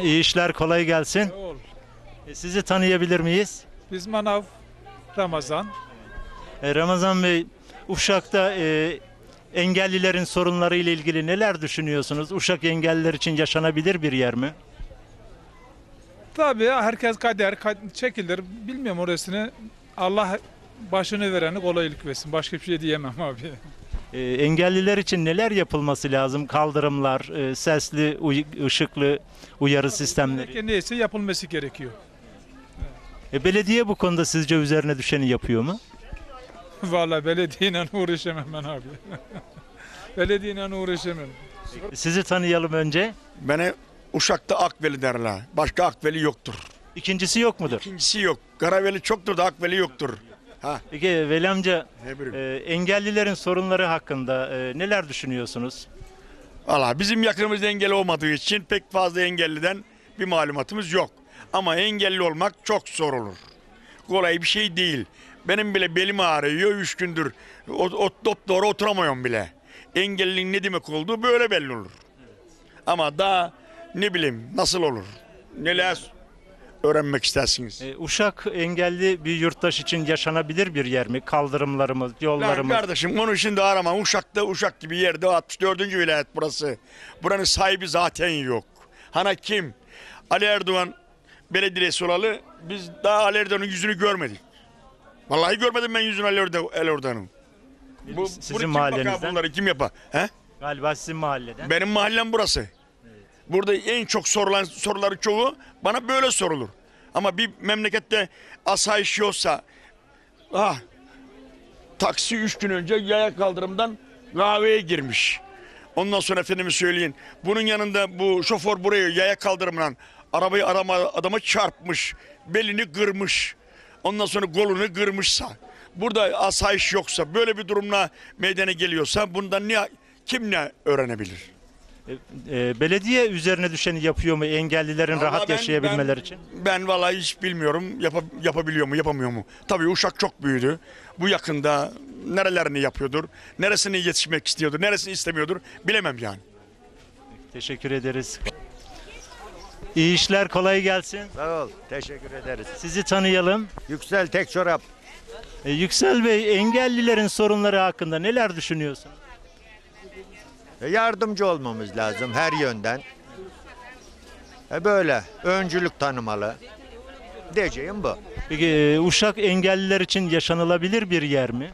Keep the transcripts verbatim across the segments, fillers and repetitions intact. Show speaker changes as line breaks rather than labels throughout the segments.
İyi işler, kolay gelsin.
Ol.
E, Sizi tanıyabilir miyiz?
Biz Manav Ramazan.
E, Ramazan Bey, Uşak'ta e, engellilerin sorunları ile ilgili neler düşünüyorsunuz? Uşak engelliler için yaşanabilir bir yer mi?
Tabii herkes kader kad- çekilir. Bilmiyorum orasını. Allah başını vereni kolaylık versin. Başka bir şey diyemem abi.
E, engelliler için neler yapılması lazım? Kaldırımlar, e, sesli, uy- ışıklı uyarı sistemleri.
Gereken neyse yapılması gerekiyor.
E, belediye bu konuda sizce üzerine düşeni yapıyor mu?
Vallahi belediyeyle uğraşamam ben abi. Belediyeyle uğraşamam.
E, Sizi tanıyalım önce.
Beni Uşak'ta Akveli derler. Başka Akveli yoktur.
İkincisi yok mudur?
İkincisi yok. Karaveli çoktur da Akveli yoktur. Ha.
Peki Veli amca,
Ne bileyim.
e, engellilerin sorunları hakkında e, neler düşünüyorsunuz?
Valla bizim yakınımızda engelli olmadığı için pek fazla engelliden bir malumatımız yok. Ama engelli olmak çok zor olur. Kolay bir şey değil. Benim bile belim ağrıyor üç gündür. O, o, doğru oturamıyorum bile. Engelliliğin ne demek olduğu böyle belli olur. Ama daha ne bileyim nasıl olur? Neler öğrenmek istersiniz?
E, Uşak engelli bir yurttaş için yaşanabilir bir yer mi? Kaldırımlarımız,
Lan
yollarımız.
kardeşim onu şimdi arama. Uşak'ta Uşak gibi yerde altmış dördüncü vilayet burası. Buranın sahibi zaten yok. Hana kim? Ali Erdoğan belediyesi olalı biz daha Ali Erdoğan'ın yüzünü görmedik. Vallahi görmedim ben yüzünü Ali Erdo- Ali Erdoğan'ın. Bu,
Sizin
bunu kim
mahallenizden?
bakar bunları kim yapar? He?
Galiba sizin mahalleden.
Benim mahallem burası. Burada en çok sorulan soruları çoğu bana böyle sorulur. Ama bir memlekette asayiş yoksa ah, taksi üç gün önce yaya kaldırımdan kahveye girmiş. Ondan sonra efendime söyleyin. Bunun yanında bu şoför buraya yaya kaldırımdan arabayı arama adama çarpmış. Belini kırmış. Ondan sonra kolunu kırmışsa. Burada asayiş yoksa böyle bir durumla meydana geliyorsa bundan ne kim ne öğrenebilir?
E, e, belediye üzerine düşeni yapıyor mu engellilerin
Vallahi
rahat
ben-
yaşayabilmeleri
ben-
için?
Ben vallahi hiç bilmiyorum yapa- yapabiliyor mu yapamıyor mu? Tabii Uşak çok büyüdü. Bu yakında nerelerini yapıyordur, neresini yetişmek istiyordur, neresini istemiyordur bilemem yani.
Teşekkür ederiz. İyi işler, kolay gelsin.
Sağ ol. Teşekkür ederiz.
Sizi tanıyalım.
Yüksel tek çorap.
E, Yüksel Bey, engellilerin sorunları hakkında neler düşünüyorsunuz?
E, Yardımcı olmamız lazım her yönden. E, böyle öncülük tanımalı. Diyeceğim bu.
Peki e, Uşak engelliler için yaşanılabilir bir yer mi?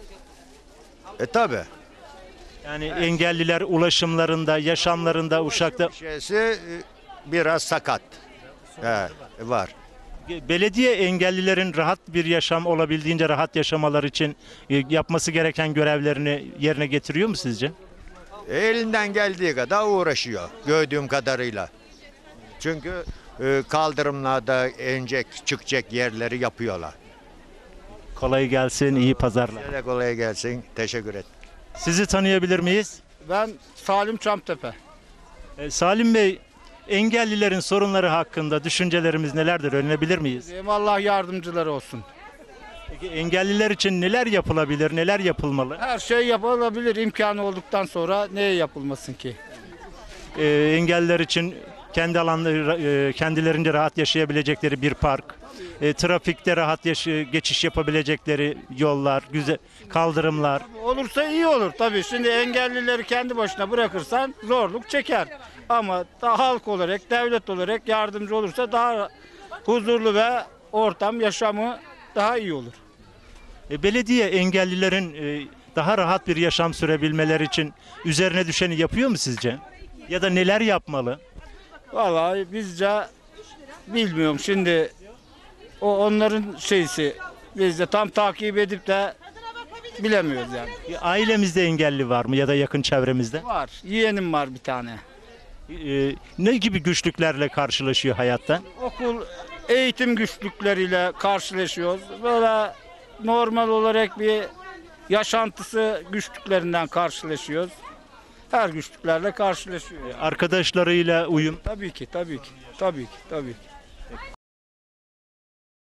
E tabi.
Yani engelliler ulaşımlarında, yaşamlarında Uşak'ta
Şeysi e, biraz sakat. He, var.
belediye engellilerin rahat bir yaşam olabildiğince rahat yaşamalar için e, yapması gereken görevlerini yerine getiriyor mu sizce?
E, elinden geldiği kadar uğraşıyor gördüğüm kadarıyla. Çünkü e, kaldırımlarda inecek çıkacak yerleri yapıyorlar.
Kolay gelsin, iyi pazarlar.
Size de kolay gelsin. Teşekkür et.
Sizi tanıyabilir miyiz?
Ben Salim Çamtepe.
E, Salim Bey, engellilerin sorunları hakkında düşüncelerimiz nelerdir? Öğrenebilir miyiz?
Diyeyim, Allah yardımcıları olsun.
Peki engelliler için neler yapılabilir, neler yapılmalı?
Her şey yapılabilir imkanı olduktan sonra neye yapılmasın ki?
E, engelliler için kendi alanları, e, kendilerince rahat yaşayabilecekleri bir park, e, trafikte rahat yaşı- geçiş yapabilecekleri yollar, güzel kaldırımlar.
Olursa iyi olur tabii. Şimdi engellileri kendi başına bırakırsan zorluk çeker. Ama da halk olarak, devlet olarak yardımcı olursa daha huzurlu ve ortam, yaşamı daha iyi olur.
E, belediye engellilerin e, daha rahat bir yaşam sürebilmeleri için üzerine düşeni yapıyor mu sizce? Ya da neler yapmalı?
Vallahi bizce bilmiyorum şimdi o onların şeysi biz de tam takip edip de bilemiyoruz yani.
E, ailemizde engelli var mı ya da yakın çevremizde?
Var. Yeğenim var bir tane.
E, ne gibi güçlüklerle karşılaşıyor hayatta?
Okul eğitim güçlükleriyle karşılaşıyoruz. Böyle normal olarak bir yaşantısı güçlüklerinden karşılaşıyoruz. Her güçlüklerle karşılaşıyor.
Arkadaşlarıyla uyum.
Tabii ki, tabii ki, tabii ki, tabii ki.